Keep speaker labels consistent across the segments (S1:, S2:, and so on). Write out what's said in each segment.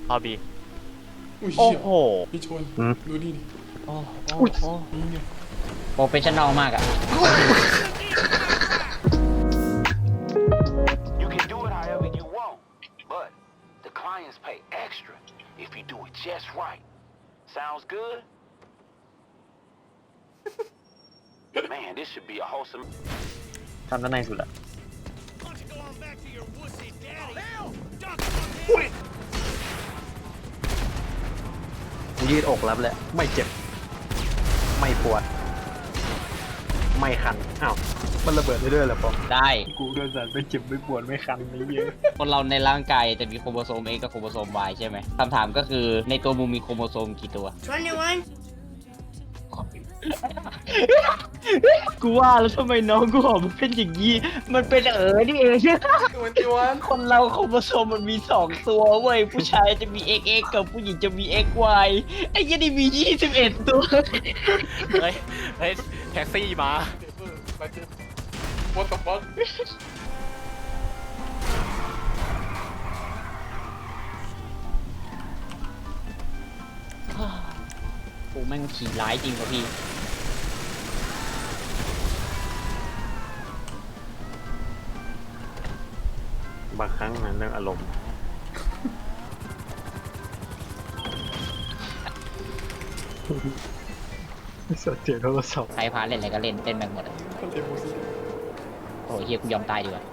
S1: เข้าบี
S2: อุ้ย
S1: โอ้โห
S2: พี่ชนดูนี่ดิ
S1: โอ้โห
S2: นี่เนี่ย
S3: โปรเฟชชั่นอลมากอะ
S4: You can do it however you want, but the clients pay extra if you do it just right. Sounds good? Man, this should be a wholesome.
S1: ทำด้านในสุดอะยืดอกรับแหละไม่เจ็บไม่ปวดไม่คันอ้าวมันระเบิดได้ด้วยเหรอปอ
S3: ได้
S1: กูโดนสัตว์ไม่เจ็บไม่ปวดไม่คันไม่เยอะ
S3: คนเราในร่างกายจะมีโครโมโซม X กับโครโมโซม Y ใช่ไหมคำถามก็คือในตัวมึงมีโครโมโซมกี่ตัว กูว่าแล้วทำไมน้องกูหอมมันเป็นอย่างนี้ มันเป็นนี่เองคนเราโครโมโซมมันมี2ตัวเว้ย ผู้ชายจะมี XX กับผู้หญิงจะมี XY ไอ้ยันนี่มี21ตัว
S1: เฮ้ยแท็กซี่มา
S2: What the fuck
S3: กูแม่งขี่ร้ายจริงป่ะพี่
S1: บางครั้งมันเรื่องอารมณ์ สดเสียงโทรศัพท์
S3: ใครพาเล่นอะไรก็เล่นเต้นแม่งหมดอะโอ้ยเฮียกูยอมตายดีกว่า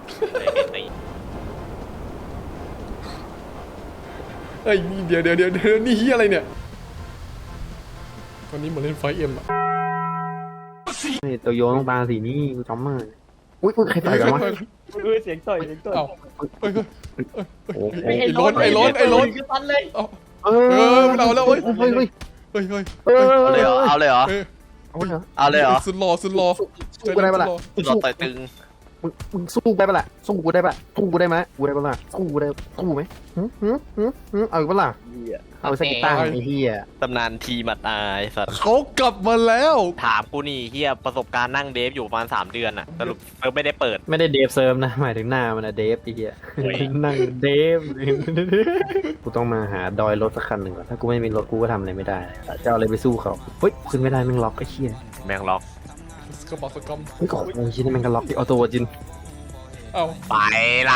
S2: เอ้ยนี่เดี๋ยวนี่เฮียอะไรเนี่ยตอนนี้เหมือนเล่นไฟเอ็มอะ
S1: นี่ตัวโยนต้องตาสีนี่กูจำมาอุ้ยใครต่อยกันวะ
S3: เสียงต่อยเสียงต่อย
S2: เอ้าเฮ้ย
S1: โอ้โห
S2: ไอ้ล้น
S3: คือตันเลย
S2: เอ้า
S1: เอ
S2: ไม่เอาแล้วเว้ย
S1: เฮ้ย
S2: เอาเลยเหรอ
S1: เอาเลยเหรอ เอาเลยเหรอ
S2: สุดหล่อ
S1: สู้กูได้ปะล่ะ
S5: รอต่อยตึง
S1: มึงสู้ได้ปะล่ะสู้กูได้ปะสู้กูได้ไหมกูได้ปะล่ะสู้กูได้สู้ไหมเอาอีกปะล่ะเอาสักกีตาร์ไอ้เหี้ย
S5: ตำนานทีมาตายสัตว์
S2: เขากลับมาแล้ว
S5: ถามกูนี่เฮียประสบการณ์นั่งเดฟอยู่ประมาณ3 เดือนอะสรุปเซิร์ฟไม่ได้เปิด
S1: ไม่ได้เดฟเซิร์ฟนะหมายถึงหน้ามันอะเดฟไอ้เหี้ยนั่งเดฟกูต้องมาหาดอยรถสักคันหนึ่งก่อนถ้ากูไม่มีรถกูก็ทำอะไรไม่ได้จะเอาอะไรไปสู้เขาเฮ้ยขึ้นไม่ได้แม่งล็อกไอ้เหี้ย
S5: แมงล็อก
S2: กระบอกสกอม
S1: เฮ้ยโอ้ยชิ้นนี้แม่งก็ล็อกที่ออโต้จิน
S2: เอ้า
S5: ไปละ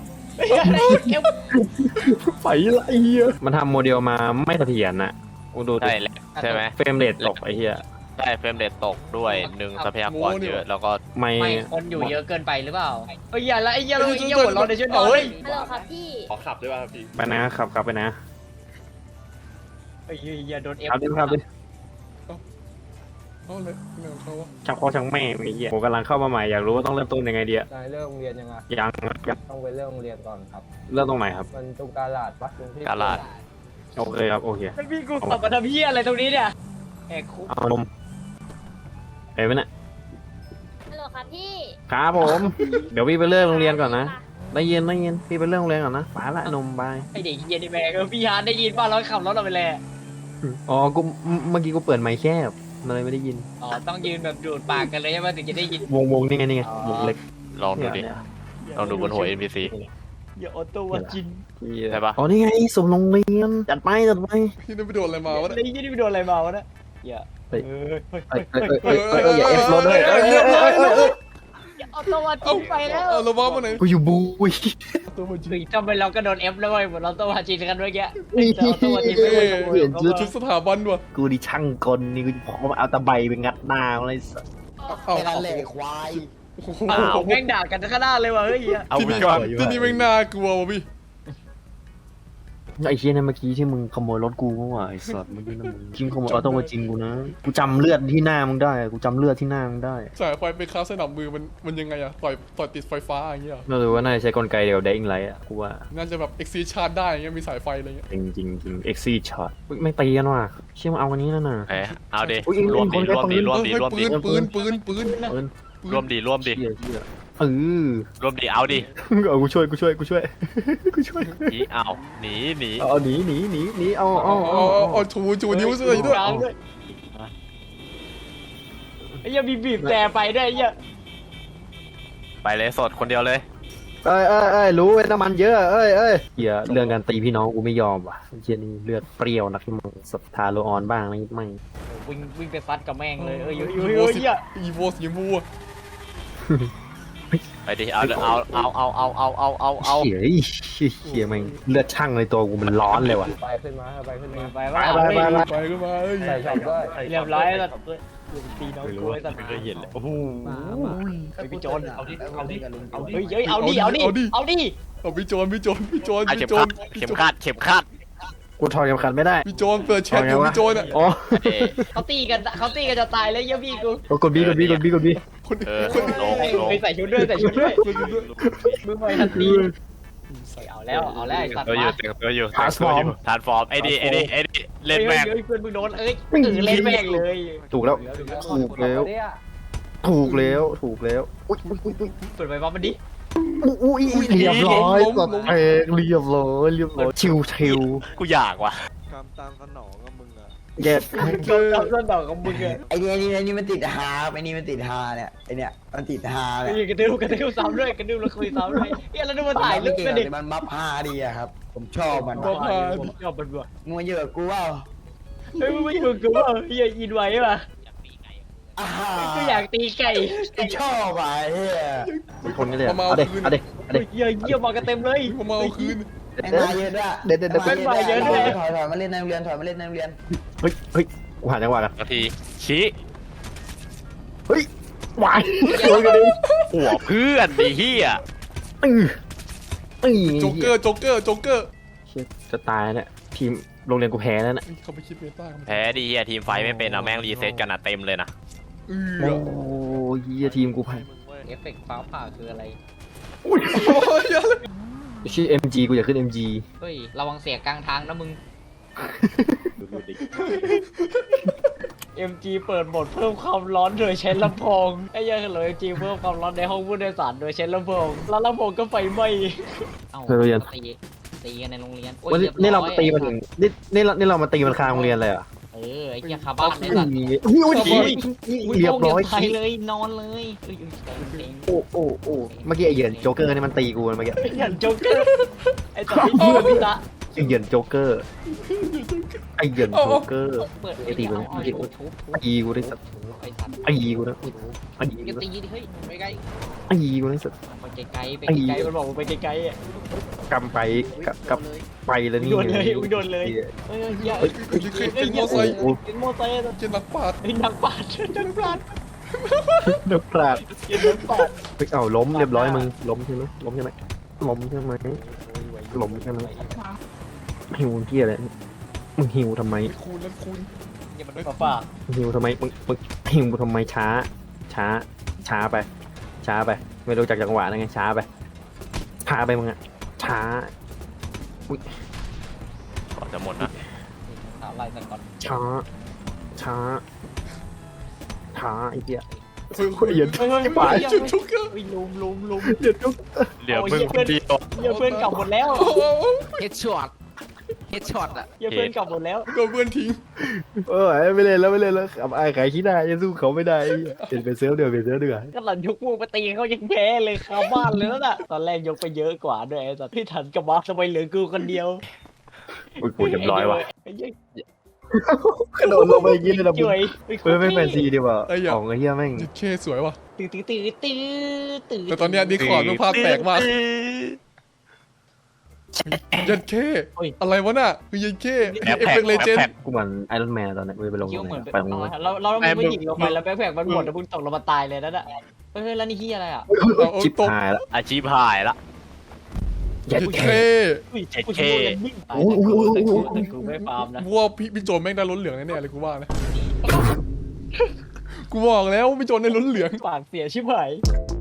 S1: ไปละไอ้เหี้ยมันทำโมเดลมาไม่เสถียรนะกูดู
S5: ใช่แหละใช่ไหม
S1: เฟรมเรทตกไอ้เหี้ย
S5: ใช่เฟรมเรทตกด้วยทรัพยากรเยอะแล้วก็
S1: ไม่
S3: ไม่คนอยู่เยอะเกินไปหรือเปล่าเอ้ยอย่าละไอ้เหี้ยเราไอ้เหี้ยหัวเราะในช่วยหน่อย
S6: ฮัลโหลครับพี่
S2: ขอขับได้ป่ะพี่
S1: ไปนะขับไปนะ
S3: ไอ้เหี้ยโดนเอฟ
S1: ขับดิ
S2: เอาเลยไม่เอาเขาวะ
S1: ช่างพ่อช่างแม่ไอ้เหี้ยผมกำลังเข้ามาใหม่อยากรู้ว่าต้องเริ่มต้นยังไงดีอะ
S7: นายเริ่มโรงเรียนยังไง
S1: ยัง
S7: ต้องไปเริ่มโรงเรียนก่อนครับ
S1: เริ่มตรงไหนครับ
S7: มันตรงกาลาดปะตรงที่
S5: กาลาด
S1: โอเคครับโอเค
S3: พี่กูขับมาทำเหี้ยอะไรตรงนี้เนี่ยแหกคุก
S1: เอานมเห็นไหมเนี่ย
S6: ฮัลโหลครับพี่
S1: ครับผมเดี๋ยวพี่ไปเริ่มโรงเรียนก่อนนะได้ยินพี่ไปเริ่มโรงเรียนก่อนนะไปละนมบาย
S3: ไอเด็กเหี้ยนี่แม่งพี่ฮาร์ดได้ยินป่ะเราขับรถเราไปเลย
S1: อ๋อกูเมื่อกี้กูเปิดไมค์แคบมันเลยไม่ได้ยิน
S3: อ๋อต้องยืนแบบดูดปากกันเลยใช่ไหมถึงจะได้ยิน
S1: วงนี่ไงวงเล็ก
S5: ลองดูดิลองดูบนหัว NPC
S3: อย่าออโต้ว่าจิน
S5: ใช่ปะ
S1: อ๋อนี่ไงสมโรงเรียนจัดไป
S2: พี่ได้ไปโดนอะไรมาวะ
S3: ไอ้ยี่นี่ไปโดนอะไรมาวะเนี่ยอย่า
S1: เฮ้ย
S2: อย่า
S1: F รถเลย
S3: อย่าออโต้ว่าจินไปแล้ว
S2: เอาเราบ้ามาไหน
S1: กูอยู่บูย
S2: ตัวมันจริง
S3: คือทำไมเราก็โดนเอฟแล้วเว้ยเหมือนเราออโต้ว่าจินกันเมื่อกี้แต่ออโต้ว่าจินไม่ไหว
S1: เปลี่ยนชุด
S2: ชุดสถาบันว่ะ
S1: กูดิช่างกลนี่กูพร้อมเอาตะไบไปงัดหน้าอะไรสัส
S2: เอา
S7: แค่นั้นแหละควาย
S3: อ้าวแม่งด่ากันข้างหน้าเลยว่ะเฮ้ย
S2: ที่นี่ที่นี่แม่งน่ากลัวว่ะพี่
S1: ไอ้เชี่ยนั่นเมื่อกี้ที่มึงขโมยรถกูเมื่อวานไอ้สัสเมื่อกี้นะมึงจริงขโมยออโต้มาจริงกูนะกูจำเลือดที่หน้ามึงได้กูจำเลือดที่หน้ามึงได้
S2: สายไฟไปค้าสนับมือมันยังไงอะต่อยติดไฟฟ้าอย่างเงี้ย
S1: ไม่รู้ว่าน่าจะใช้กลไกเดียวได้อิงไรอ่ะกูว่า
S2: น่าจะแบบเอ็กซีชาร์จได้อย่างเงี้ยมีสายไฟอะไรเงี้ย
S1: จริงเอ็กซี่ช็อตไม่ตีกันว่ะเชี่ยมึงเอาอันนี้นั่นน่ะ
S5: เอาดิ
S1: อุ๊ย
S5: ร่วมดี
S1: คน
S5: ร่วมดี
S1: คน
S5: ร่วมดี
S2: เฮ้ย
S5: ร่วมดี
S2: ปืน
S5: ร่วมดีร่วมดี
S1: เชี่ย
S5: ร่วมดีเอาดิ
S1: เอากูช่วย
S5: หนีเอาหนี
S1: เอาหนีเอา
S2: เอาชูนิ้วซะเลยด้วย
S3: ไอ้ยังมีบีบแต่ไปด้วยไอ้ยัง
S5: ไปเลยสดคนเดียวเลย
S1: รู้ไอ้น้ำมันเยอะเหี้ยเรื่องการตีพี่น้องกูไม่ยอมว่ะเหี้ยนี่เลือดเปรี้ยวนักที่มึงศรัทธาโลออนบ้างไหมไม่
S3: วิ่งไปฟัดกับแม่งเลยอยู่
S2: อีโวสีชมพูอะ
S5: ไปดิเอา
S1: เหี้ยแม่งเลือดช่างในตัวกูมันร้อนเลยว่ะ
S7: ไปขึ้นมาไปขึ้นมา
S3: ไปว่า
S2: ไปขึ้นมาเอ้ย
S7: ใส่ช็อปด้วย
S3: เรียบร้อยแล้วตีน้องกูไอ้สัตว์
S5: ไม่เคยเห็นเลยโอ้โห
S3: พี่โจนเอาดิ
S7: เอาดิเอาดิ
S3: เฮ้ยเอาดิ
S2: เอาดิ
S3: เอา
S2: พี่โจน
S5: อ่ะเข็มขัด
S1: กูถอดเข็มขัดไม่ได้
S2: พี่โจนเปิดแชทอยู่พี่โจนอ่ะ
S1: อ๋อ
S5: เอ๊ะ
S3: เขาตีกันจะตายเลยยี่พี่กู
S1: กดบี
S2: คน
S5: เออ
S2: คน
S5: ลง
S3: ไปใส่ชุดด้วยมึงไปทันทีเอาแล้วไอ้สัตว์
S5: ตัวอยู่ทานฟอร์มไอ้นี่เล่นแม่ง
S3: เพื่อนมึงโดนเล่นแม่งเลย
S1: ถูกแล้ว
S7: เนี่ย
S1: ถูกแล้ว อุ้ย
S3: เปิดไฟฟ้ามันดิ
S1: เรียบร้อยสดเพลงเรียบร้อยชิว
S5: กูอยากว่ะ
S1: เย็ด
S3: ต้นดอกของมึงอะ
S8: ไอ้นี่มันติดฮาไอ้นี่มันติดฮาเนี่ยไอ้เนี่ยมันติดฮาเนี่ย
S3: กระดื้อซ้ำด้วยกระดื้อแล้วคุยซ้ำด้วยแล้วดูมันถ่ายรูป
S8: เก่ง
S3: กันดิ
S8: แต่มันบัฟฮาดีอะครับ ผมชอบมัน
S3: ชอบมันว่ะ
S8: มึงมาเยอะกูว่า
S3: เฮ้ยมึงไม่อยู่กูว่าอย่าอินไว้ป่ะ
S8: อ่า
S3: กูอยากตีไก่
S8: กูชอบอ่ะไอ้เฮีย
S1: ๆคนนี้เลยเอาเด็ก
S3: เยี่ยมมากันเต็มเลย
S2: ผมมาเอาคืน
S8: ไอ้มาเยอะด้วย
S1: เด็ด
S8: ถอยมาเล่นในโรงเรียนถอยมาเล่นในโรงเรียน
S1: เฮ้ยกูหาจังหวะกัน
S5: นาทีชี้
S1: เฮ้ยหวาย
S5: หัวเพื่อนดิเฮีย
S2: โจ๊กเกอร์
S1: จะตายเนี่ยทีมโรงเรียนกูแพ้แล้วเนี่ย
S2: เขาไปคิดเมตา
S5: แพ้ดิเฮียทีมไฟไม่เป็นอะแม่งรีเซ็ตกันอะเต็มเลยนะ
S1: โอ้ยเหี้ยทีมกูแพ้
S3: เอฟเฟกต์ฟ้าผ่าคืออะไร
S1: ชื่อ MG กูอยากขึ้น MG
S3: เฮ้ยระวังเสียกลางทางนะมึง MG เปิดโหมดเพิ่มความร้อนโดยใช้ลำโพงไอ้ยังเหรอ MG เพิ่มความร้อนในห้องผู้โดยสารโดยใช้ลำโพงแล้วลำโพงก็ไฟไหม้เอ้าตีกันในโรงเรียน
S1: วันนี้นี่เรามาตีมันถึงนี่เรามาตีมันคาโรงเรียนเลยเหรอ
S3: ไอ้เหี้ยคาบ้านเนี่ยสัตว์
S1: เรียบร้อย
S3: ไปเลยนอนเลย
S1: โอ้เมื่อกี้ไอ้เหยินโจ๊กเกอร์นี่มันตีกูเมื่อกี้
S3: ไอ้โจ๊กเกอร์ไอ้ตอนที่พูดพี่ตะ
S1: ไอ้เหยินโจ๊กเกอร์ไอ้เหยินโจ๊กเกอร์
S3: เปิด
S1: ไอ้ตีกู
S3: เอาทุบ
S1: ตีกูได้สัตว์
S3: ไอ้สัตว์
S1: ตีกูนะตี
S3: อย่า
S1: กู
S3: ตีดิเฮ้ยไปไกล
S1: ตีกูได้สัตว์
S3: ไปไกลไปไกลมันบอกไปไกลอ่ะ
S1: กำไปกับไปแล้วนี่
S3: โดนเลยโดนเลยเฮ้ยเฮ้ย
S2: เป็นมอไซค์
S3: เป็นมอไซค์
S2: เจนนักปาด
S3: ไอ้นักปาดนักปาด
S1: นักปราด
S3: นักปาด
S1: เฮ้ยเอาล้มเรียบร้อยมึงล้มใช่ไหมหิวที่อะไรมึงหิวทำไม
S2: คูณแล้วคูณ
S3: อย่ามันฝ่า
S1: หิวทำไมมึงหิวทำไมช้าไปไม่รู้จักจังหวะนะไงช้าไปมึงอะช้า
S5: ก่อนจะหมดนะ
S3: ถามอะไรสักก่อน
S1: ช้าไอ้เหี้ย
S2: เฮ้ย
S1: เหยิน
S3: เฮ้ย
S1: ไอ้ป่า
S2: โจ๊กเกอร์
S3: ลุม
S1: เหยินจุ๊ก
S5: เหลือมึงคนเดียว
S3: เฮียเพื่อนกลับหมดแล้ว
S9: เฮดช็อตอ่ะ
S3: เฮียเพื่อนกลับหมดแล้ว
S2: โดนเพื่อนทิ้ง
S1: ไม่เล่นแล้วขับไอ้ขายขี้ได้ยังสู้เขาไม่ได้เป็นเซิร์ฟเดือด
S3: ก็หลังยกพวกไปตีเขายังแพ้เลยคาบ้านเลยน่ะตอนแรกยกไปเยอะกว่าด้วยไอ้สัตว์ที่ทันกับมาทำไมเหลือกูคนเดียว
S5: กูเรียบร้อยว่ะ
S1: กระโดดลงไปยิงเลยนะ
S3: จ่วย
S1: เพื่อไม่แฟนซีดีกว่าของไอ้เหี้ยแม่ง
S2: จิตเคสวยว่ะ
S3: ตื่น
S2: แต่ตอนเนี้ยดิคอร์ดมันภาพแตกมากยันเคอะไรวะน่ะคือยันเคเอฟเฟกต์เลเจนด์
S1: กูเหมือนไอรอนแมนตอนนี้ไปลง
S3: คิ้วเหมือน
S1: ไปลง
S3: เราไม่หยิงลงไปแล้วแบ็คแพคมันหมดแล้วมึงตกลงมาตายเลยนั่นแหละเฮ้ยแล้วนี่ที่อะไรอ่ะ
S1: ชิบหายแล้ว
S5: อาชีพหายละ
S1: ยั
S2: ยั
S1: ด
S2: น
S1: แข
S2: เค
S3: กูไม่ฟาร์มนะ
S2: กูว่าพี่โจนแม่งได้ล้นเหลืองแน่ๆเลยกูว่านะกูบอกแล้วพี่โจนได้ล้นเหลือง
S3: ปากเสียชิบหาย